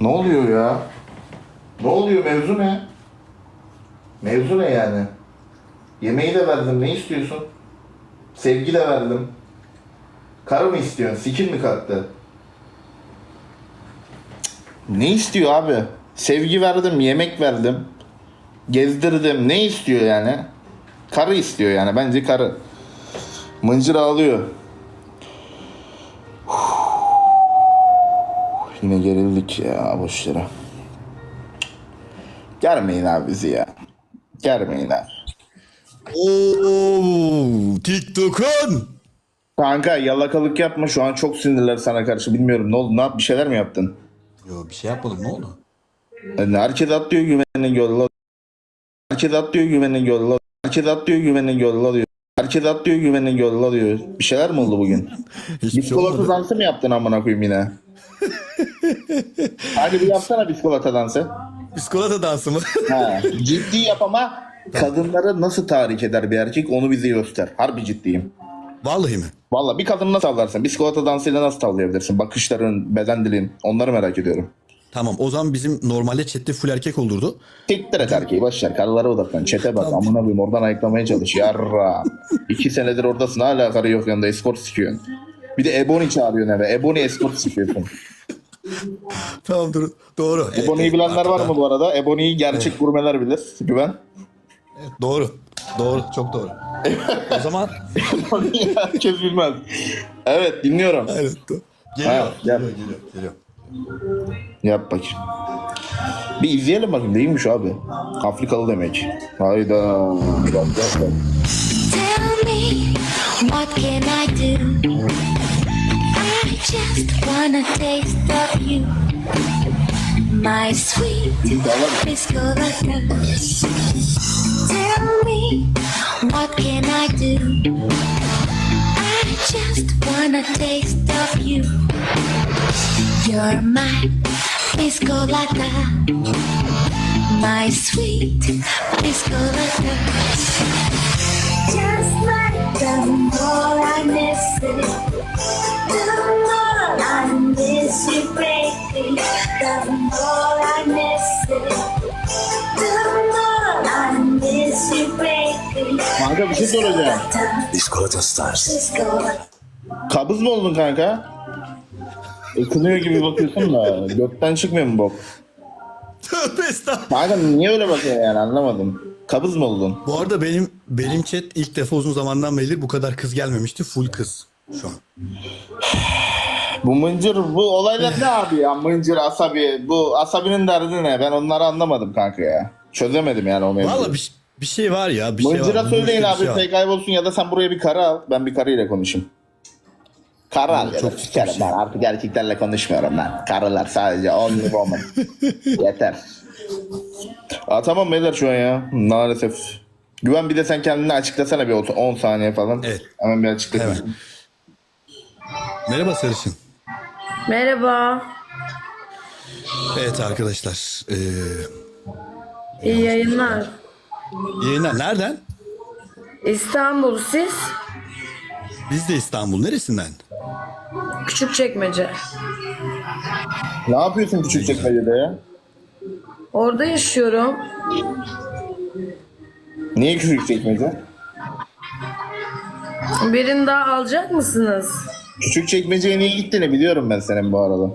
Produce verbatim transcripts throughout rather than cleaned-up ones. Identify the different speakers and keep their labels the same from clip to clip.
Speaker 1: Ne oluyor ya? Ne oluyor, mevzu ne? Mevzu ne yani? Yemeği de verdim, ne istiyorsun? Sevgi de verdim. Karı mı istiyorsun? Sikil mi kalktı? Ne istiyor abi? Sevgi verdim, yemek verdim. Gezdirdim. Ne istiyor yani? Karı istiyor yani. Bence karı. Mıncır ağlıyor. Yine gerildik ya boşlara. Germeyin abi bizi ya. Germeyin abi.
Speaker 2: Oo, TikTok'un.
Speaker 1: Kanka yalakalık yapma, şu an çok sinirler sana karşı, bilmiyorum ne oldu, ne yap, bir şeyler mi yaptın?
Speaker 2: Yo, bir şey yapmadım, ne oldu?
Speaker 1: Yani herkes atlıyor güvenini yolla. Herkes atlıyor güvenini yolla. Herkes atlıyor güvenini yolla diyor. Herkes atlıyor güvenini yolla diyor. Bir şeyler mi oldu bugün?
Speaker 2: Hiçbir şey
Speaker 1: Biskolata
Speaker 2: olmadı.
Speaker 1: dansı mı yaptın amına koyayım yine? Hadi bir yapsana biskolata dansı.
Speaker 2: Biskolata dansı mı?
Speaker 1: Ha, ciddi yap ama kadınları nasıl tahrik eder bir erkek onu bize göster. Harbi ciddiyim.
Speaker 2: Vallahi mi?
Speaker 1: Valla bir kadını nasıl tavlarsın? Biskolata dansıyla nasıl tavlayabilirsin? Bakışların, beden dilin, onları merak ediyorum.
Speaker 2: Tamam, o zaman bizim normalde chatte full erkek olurdu.
Speaker 1: Siktir et erkeği, boşver, karılara odaklan, çete bak,
Speaker 2: Tamam.
Speaker 1: amına koyayım, oradan ayıklamaya çalış, yarra. İki senedir oradasın, hala karı yok yanında, eskort sikiyorsun. Bir de Ebony çağırıyorsun eve, Ebony eskort sikiyorsun.
Speaker 2: Tamam, dur. Doğru. Evet,
Speaker 1: Ebony'yi
Speaker 2: evet,
Speaker 1: bilenler
Speaker 2: artık
Speaker 1: var
Speaker 2: daha-
Speaker 1: mı bu arada? Ebony'yi gerçek gurmeler bilir, güven.
Speaker 2: Evet, doğru. Doğru, çok doğru. O zaman
Speaker 1: Ebony'yi herkes bilmez. Evet, dinliyorum.
Speaker 2: evet. do- Geliyor,
Speaker 1: Ha,
Speaker 2: geliyor,
Speaker 1: gel.
Speaker 2: geliyor, geliyor.
Speaker 1: Yap bakayım. Bir izleyelim bakayım, neymiş abi? Afrikalı demek. Hayda. Bak, bak, bak.
Speaker 3: Tell me, what can I do? I just wanna taste of you, my sweet biscolata. Tell me, what can I do? I just wanna taste of you. You're my biscolata, my sweet biscolata. Just like the more I miss it, the more I miss you, baby. The more I miss it, the more I miss you, baby.
Speaker 1: Kanka bir şey soracağım.
Speaker 2: Biskolata Stars.
Speaker 3: Biscolata.
Speaker 1: Kabız mı oldun kanka? Ikınıyor gibi bakıyorsun da gökten çıkmıyor mu bok?
Speaker 2: Tövbe estağfurullah.
Speaker 1: Kanka niye öyle bakıyorsun yani, anlamadım. Kabız mı oldun?
Speaker 2: Bu arada benim benim chat ilk defa uzun zamandan beridir bu kadar kız gelmemişti. Full kız şu an.
Speaker 1: Bu mıncır, bu olaylar ne abi ya? Mıncır, asabi. Bu asabinin derdi ne? Ben onları anlamadım kanka ya. Çözemedim yani o mevzuyu.
Speaker 2: Valla bir, bir şey var ya. Bir şey
Speaker 1: Mıncıra
Speaker 2: var.
Speaker 1: söyleyin
Speaker 2: Bir
Speaker 1: abi,
Speaker 2: şey var.
Speaker 1: şey kaybolsun ya da sen buraya bir karı al. Ben bir karıyla konuşayım. Karı al ya da
Speaker 2: çok
Speaker 1: sikerim
Speaker 2: ciddi bir
Speaker 1: ben.
Speaker 2: şey.
Speaker 1: Artık erkeklerle konuşmuyorum ben. Karılar sadece only woman. Yeter. Aa, tamam beyler şu an ya. Maalesef. Güven, bir de sen kendini açıklasana bir on saniye falan.
Speaker 2: Evet.
Speaker 1: Hemen bir açıkla.
Speaker 2: Hemen. Merhaba Sarışın.
Speaker 4: Merhaba.
Speaker 2: Evet arkadaşlar. Ee,
Speaker 4: İyi yayınlar.
Speaker 2: yayınlar nereden?
Speaker 4: İstanbul, siz?
Speaker 2: Biz de İstanbul. Neresinden?
Speaker 4: Küçükçekmece.
Speaker 1: Ne yapıyorsun Küçükçekmece'de ya?
Speaker 4: Orada yaşıyorum.
Speaker 1: Niye Küçükçekmece?
Speaker 4: Birini daha alacak mısınız?
Speaker 1: Küçükçekmece'ye niye gittiğini biliyorum ben senin bu arada.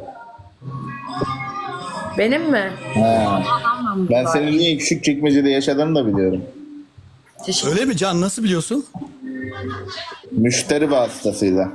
Speaker 4: Benim mi?
Speaker 1: Ha. Ben senin niye Küçükçekmece'de yaşadığını da biliyorum.
Speaker 4: Teşekkür
Speaker 2: Öyle mi Can? Nasıl biliyorsun?
Speaker 1: Müşteri vasıtasıyla.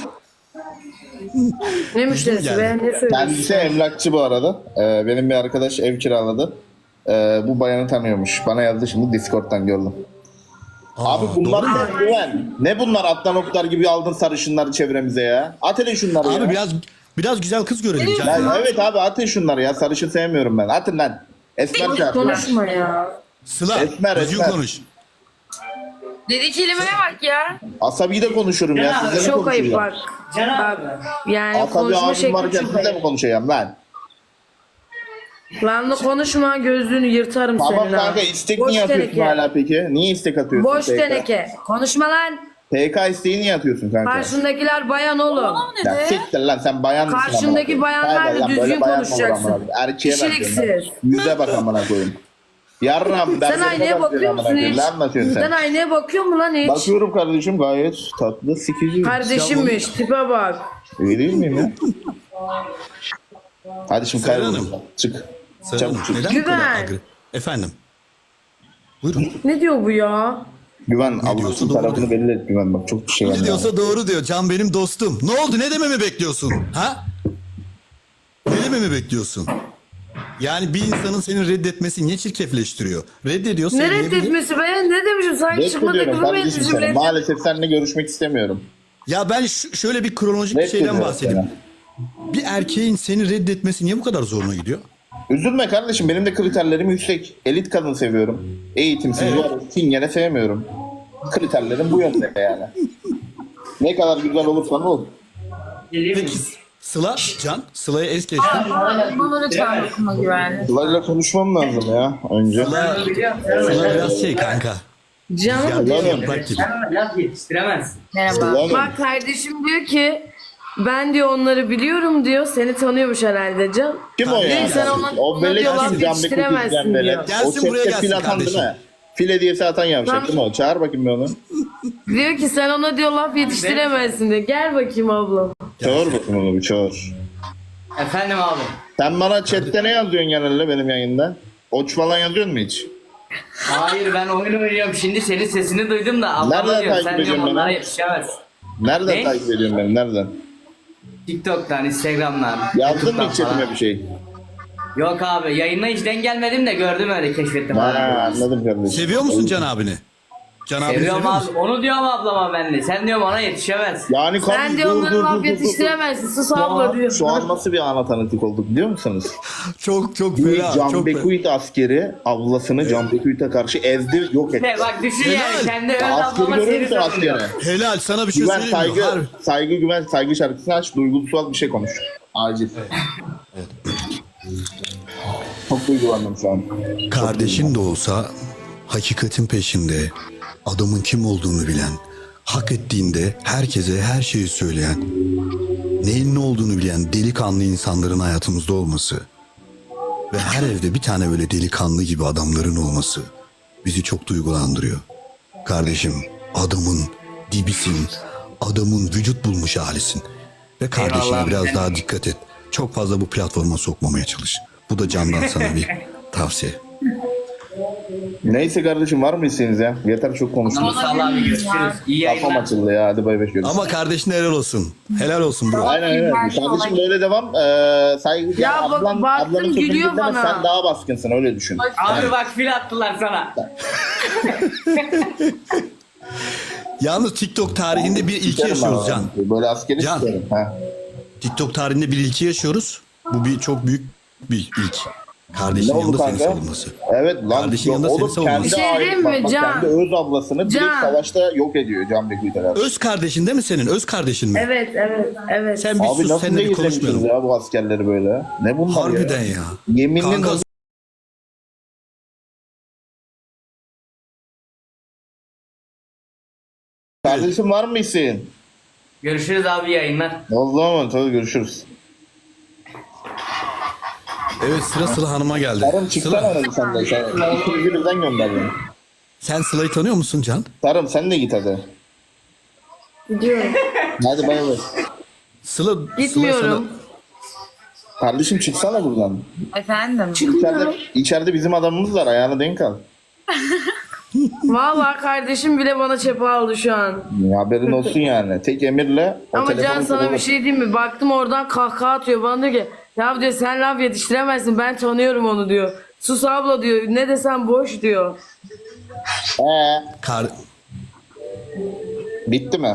Speaker 4: Ne müşterisi
Speaker 2: geldi.
Speaker 4: be? Ne
Speaker 1: Kendisi
Speaker 4: söylüyorsun?
Speaker 1: emlakçı bu arada. Ee, benim bir arkadaş ev kiraladı. Ee, bu bayanı tanıyormuş. Bana yazdı şimdi, Discord'dan gördüm.
Speaker 2: Aa,
Speaker 1: Abi bunlar
Speaker 2: doğru mu?
Speaker 1: ne güven? Ne bunlar, atlan oklar gibi aldın sarışınları çevremize ya? At hele şunları ya.
Speaker 2: Abi biraz biraz güzel kız görelim Can.
Speaker 1: Ya evet abi, atın şunları ya, sarışın sevmiyorum ben. Atın lan. Esmer çarpı.
Speaker 4: Konuşma ya.
Speaker 2: Sıla,
Speaker 1: Esmer,
Speaker 2: düzgün
Speaker 1: esmer.
Speaker 2: konuş.
Speaker 4: Dedi kelimeye bak ya.
Speaker 1: Asabi de konuşurum ya. Sizle mi
Speaker 4: Çok ayıp
Speaker 1: konuşacağım?
Speaker 4: bak. Bak. Yani
Speaker 1: Asabi
Speaker 4: konuşma
Speaker 1: abim
Speaker 4: şekli
Speaker 1: varken
Speaker 4: çok
Speaker 1: sizle mi
Speaker 4: ayıp.
Speaker 1: konuşacağım lan?
Speaker 4: Lan da konuşma, gözlüğünü yırtarım
Speaker 1: Tamam
Speaker 4: senin ha.
Speaker 1: kanka, istek
Speaker 4: Boş
Speaker 1: niye atıyorsun
Speaker 4: teneke.
Speaker 1: hala peki? Niye istek atıyorsun?
Speaker 4: Boş
Speaker 1: tekrar?
Speaker 4: teneke. Konuşma lan.
Speaker 1: P K isteği niye atıyorsun kanka?
Speaker 4: Karşındakiler bayan oğlum.
Speaker 1: Ya siktir lan sen bayan mısın?
Speaker 4: Karşındaki
Speaker 1: amına koyayım?
Speaker 4: bayanlarla
Speaker 1: Hayır lan,
Speaker 4: düzgün
Speaker 1: böyle bayan mı olur
Speaker 4: konuşacaksın.
Speaker 1: amına koyayım? Erkeğe
Speaker 4: Kişiliksiz.
Speaker 1: benziyorsun lan. Yüze bak amına koyayım. Yarram
Speaker 4: Sen
Speaker 1: derslerine
Speaker 4: aynaya
Speaker 1: bak
Speaker 4: bakıyor
Speaker 1: amına
Speaker 4: musun
Speaker 1: koyayım.
Speaker 4: hiç?
Speaker 1: Ne anlatıyorsun
Speaker 4: Sen
Speaker 1: sen?
Speaker 4: aynaya bakıyor mu lan hiç?
Speaker 1: Bakıyorum kardeşim gayet tatlı sikici.
Speaker 4: Kardeşimmiş tipe bak.
Speaker 1: İyi değil miyim ya? Hadi şimdi
Speaker 2: Serhan
Speaker 1: kaybol.
Speaker 2: Hanım.
Speaker 1: Çık.
Speaker 2: Serhan Hanım,
Speaker 1: Çabuk çık.
Speaker 2: neden bu kadar
Speaker 4: Güven.
Speaker 2: agre... Efendim. Buyurun.
Speaker 4: Ne diyor bu ya?
Speaker 1: Güven
Speaker 2: diyorsa
Speaker 1: Allah'ın
Speaker 2: doğru
Speaker 1: tarafını belli et Güven bak çok bir şey var.
Speaker 2: Ne diyorsa doğru diyor. Can benim dostum. Ne oldu? Ne dememi bekliyorsun? Ha? Ne dememi bekliyorsun? Yani bir insanın seni reddetmesi niye çirkefleştiriyor? Reddediyor,
Speaker 4: Ne
Speaker 2: sevmeyebilir.
Speaker 4: reddetmesi ben ne demişim? Sanki çıkmadık
Speaker 1: Reddediyorum
Speaker 4: mı
Speaker 1: kardeşim
Speaker 4: etmişim?
Speaker 1: seni.
Speaker 4: Reddet-
Speaker 1: Maalesef seninle görüşmek istemiyorum.
Speaker 2: Ya ben ş- şöyle bir kronolojik bir şeyden
Speaker 1: Reddediyorum
Speaker 2: bahsedeyim.
Speaker 1: seni.
Speaker 2: Bir erkeğin seni reddetmesi niye bu kadar zoruna gidiyor?
Speaker 1: Üzülme kardeşim benim de kriterlerim yüksek. Elit kadın seviyorum. Eğitimsiz,
Speaker 2: Evet.
Speaker 1: evet. Çingene sevmiyorum. Kriterlerim bu yönde yani. Ne kadar güzel olursan ol.
Speaker 2: Peki Sıla, Can, Sıla'ya es geçtim.
Speaker 4: Bana lütfen dokunma güvenli.
Speaker 1: Sıla'yla konuşmam lazım ya önce.
Speaker 2: Sıla, Sıla biraz şey kanka.
Speaker 4: Canım.
Speaker 2: Rüzgar yaprak gibi.
Speaker 5: Sen laf yetiştiremezsin.
Speaker 4: Merhaba.
Speaker 1: Sıla mı?
Speaker 4: Bak kardeşim diyor ki ben diyor onları biliyorum diyor. Seni tanıyormuş herhalde Can.
Speaker 1: Kim o ya?
Speaker 4: Değil, sen ona-
Speaker 1: O
Speaker 4: ona
Speaker 1: belek
Speaker 4: diyorlar,
Speaker 1: kim? Can
Speaker 4: yetiştiremezsin
Speaker 1: Bekut izleyen
Speaker 4: diyor.
Speaker 1: belek.
Speaker 2: Gelsin
Speaker 1: O
Speaker 2: buraya
Speaker 1: chatte
Speaker 2: gelsin
Speaker 1: fil atan değil
Speaker 2: kardeşim.
Speaker 1: mi? Fil hediyesi atan yavşak
Speaker 4: Tamam.
Speaker 1: değil mi o? Çağır bakayım bir onu.
Speaker 4: Diyor ki sen ona diyor laf yetiştiremezsin diyor. Gel bakayım ablam.
Speaker 1: Çağır bakayım onu bir çağır.
Speaker 5: Efendim abi.
Speaker 1: Sen bana chatte ne yazıyorsun genelde benim yayında? Oç falan yazıyor mu hiç?
Speaker 5: Hayır ben oyun oynuyorum. Şimdi senin sesini duydum da
Speaker 1: Nereden
Speaker 5: ablama diyorum.
Speaker 1: takip
Speaker 5: Sen diyorum
Speaker 1: ediyorsun
Speaker 5: onlara
Speaker 1: beni?
Speaker 5: yetişemez.
Speaker 1: Nereden
Speaker 5: Ne?
Speaker 1: takip ediyorsun beni? Nereden?
Speaker 5: TikTok'tan, Instagram'dan.
Speaker 1: Yazdın mı
Speaker 5: YouTube'dan
Speaker 1: hiç chatime
Speaker 5: falan.
Speaker 1: bir şey?
Speaker 5: Yok abi yayına hiç denk gelmedim de gördüm öyle keşfettim
Speaker 1: Ha,
Speaker 5: abi.
Speaker 1: anladım kardeşim.
Speaker 2: Seviyor musun Can abini? Can abini
Speaker 5: Seviyorum
Speaker 2: seviyor
Speaker 5: abi.
Speaker 2: musun?
Speaker 5: Onu diyorum ablama ben de. Sen diyorum ona yetişemez.
Speaker 1: Yani
Speaker 4: Sen
Speaker 1: kardeşim,
Speaker 4: diyor
Speaker 1: dur,
Speaker 4: onları
Speaker 1: dur,
Speaker 4: laf
Speaker 1: dur, dur, dur.
Speaker 4: yetiştiremezsin. Sus abla diyor.
Speaker 1: Şu an nasıl bir ana tanıtık olduk biliyor musunuz?
Speaker 2: Çok çok
Speaker 1: Bir
Speaker 2: fena.
Speaker 1: Can
Speaker 2: Çok fena.
Speaker 1: Bekuit askeri ablasını Can Bekuit'e karşı ezdi yok etti.
Speaker 5: Ne bak düşün
Speaker 2: Helal.
Speaker 5: yani. Kendi öz
Speaker 1: Askeri
Speaker 5: ablama
Speaker 1: görüyor
Speaker 5: seni
Speaker 1: musun
Speaker 5: savunuyor.
Speaker 1: askeri?
Speaker 2: Helal sana bir şey
Speaker 1: Güven
Speaker 2: söyleyeyim mi?
Speaker 1: saygı,
Speaker 2: Harbi.
Speaker 1: saygı güven saygı şarkısını aç duygusal bir şey konuş. Acil. Çok duygulandım şu an.
Speaker 2: Kardeşin de olsa hakikatin peşinde, adamın kim olduğunu bilen, hak ettiğinde herkese her şeyi söyleyen, neyin ne olduğunu bilen delikanlı insanların hayatımızda olması ve her evde bir tane böyle delikanlı gibi adamların olması bizi çok duygulandırıyor. Kardeşim, adamın dibisin, adamın vücut bulmuş halisin ve kardeşine
Speaker 5: Eyvallah.
Speaker 2: biraz daha dikkat et. Çok fazla bu platforma sokmamaya çalış. Bu da Can'dan sana bir tavsiye.
Speaker 1: Neyse kardeşim var mı isteğiniz ya? Yeter çok konuştuk.
Speaker 5: Mustafa abi görüşürüz. İyi
Speaker 1: Kafam
Speaker 5: yayınlar.
Speaker 1: açıldı ya hadi bay bay görüşürüz.
Speaker 2: Ama kardeşine helal olsun. Helal olsun bro.
Speaker 1: Aynen aynen. Kardeşim böyle devam. Ee, saygı
Speaker 4: Ya bak-
Speaker 1: ablan,
Speaker 4: baktım
Speaker 1: ablanın sözünü
Speaker 4: gülüyor
Speaker 1: dinleme,
Speaker 4: bana.
Speaker 1: sen daha baskınsın öyle düşün.
Speaker 5: Abi bak fil attılar sana.
Speaker 2: Yalnız TikTok tarihinde bir ilki
Speaker 1: Sikerim
Speaker 2: yaşıyoruz
Speaker 1: ben
Speaker 2: Can.
Speaker 1: onu. Böyle askeri
Speaker 2: Can.
Speaker 1: sikerim. Ha.
Speaker 2: TikTok tarihinde bir ilki yaşıyoruz. Bu bir çok büyük bir ilk. Kardeşin
Speaker 1: Ne oldu
Speaker 2: yanında seni
Speaker 1: kanka?
Speaker 2: savunması.
Speaker 1: Evet lan.
Speaker 2: Kardeşin
Speaker 1: Yok,
Speaker 2: yanında
Speaker 1: oğlum
Speaker 2: seni savunması.
Speaker 1: kendi
Speaker 4: Bir şey
Speaker 1: ait-
Speaker 4: diyeyim mi
Speaker 1: bak, bak,
Speaker 4: Can?
Speaker 1: Kendi öz ablasını direkt
Speaker 4: Can.
Speaker 1: savaşta yok ediyor Can Bekuyt herhalde.
Speaker 2: Öz kardeşin değil mi senin? Öz kardeşin mi?
Speaker 4: Evet evet evet.
Speaker 2: Sen bir
Speaker 1: Abi
Speaker 2: sus
Speaker 1: nasıl
Speaker 2: seninle bir
Speaker 1: değiştirmişiz
Speaker 2: konuşmayalım.
Speaker 1: ya bu askerleri böyle? Ne bunlar
Speaker 2: Harbiden
Speaker 1: ya?
Speaker 2: ya.
Speaker 1: Yeminle
Speaker 2: Kanka,
Speaker 1: nasıl- Kardeşim var mı isteğin?
Speaker 5: Görüşürüz abi yayınlar.
Speaker 1: O zaman tabii görüşürüz.
Speaker 2: evet sıra Sıla Hanım'a geldi.
Speaker 1: Tarım çıksana
Speaker 2: Sıla,
Speaker 1: hadi sen de. Sen ikimizi birden gönder beni.
Speaker 2: sen Sıla'yı tanıyor musun Can?
Speaker 1: Tarım sen de git hadi.
Speaker 4: Gidiyorum.
Speaker 1: Hadi bay bay.
Speaker 2: Sıla, Sıla
Speaker 4: Gitmiyorum.
Speaker 1: Kardeşim çıksana buradan.
Speaker 6: Efendim.
Speaker 1: İçeride, içeride bizim adamımız var ayağına denk al.
Speaker 4: Vallahi kardeşim bile bana çepe aldı şu an.
Speaker 1: Haberin olsun yani. Tek emirle o
Speaker 4: Ama
Speaker 1: telefonu
Speaker 4: Can sana bir
Speaker 1: kullanır.
Speaker 4: şey diyeyim mi? Baktım oradan kahkaha atıyor. Bana diyor ki ya diyor sen laf yetiştiremezsin. Ben tanıyorum onu diyor. Sus abla diyor. Ne desem boş diyor.
Speaker 1: Ee,
Speaker 2: sana... Kar...
Speaker 1: bitti mi?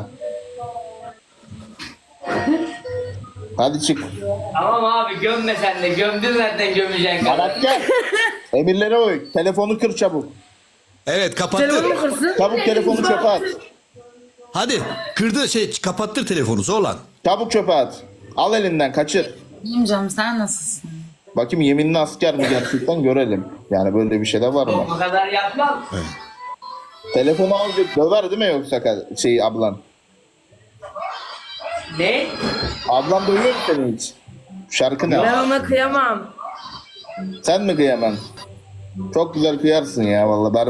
Speaker 1: Hadi çık.
Speaker 5: Tamam abi gömme sen de. Gömdün zaten gömeceksin.
Speaker 1: Arat gel. Emirlere uy. Telefonu kır çabuk.
Speaker 2: Evet kapattı.
Speaker 4: Telefonumu kırsın.
Speaker 1: Çabuk telefonu çöpe at.
Speaker 2: Hadi kırdı şey kapattır telefonu zorlan.
Speaker 1: Çabuk çöpe at. Al elinden kaçır.
Speaker 6: İyiyim canım, sen nasılsın?
Speaker 1: Bakayım yeminli asker mi gerçekten görelim. Yani böyle bir şey de var mı?
Speaker 5: O kadar yapmam.
Speaker 1: Telefonu alacak döver değil mi yoksa ka- şey ablan?
Speaker 5: Ne?
Speaker 1: Ablan duyuyor mu seni hiç? Şarkı ne?
Speaker 4: Ben ona kıyamam.
Speaker 1: Sen mi kıyaman? Çok güzel kıyarsın ya vallahi.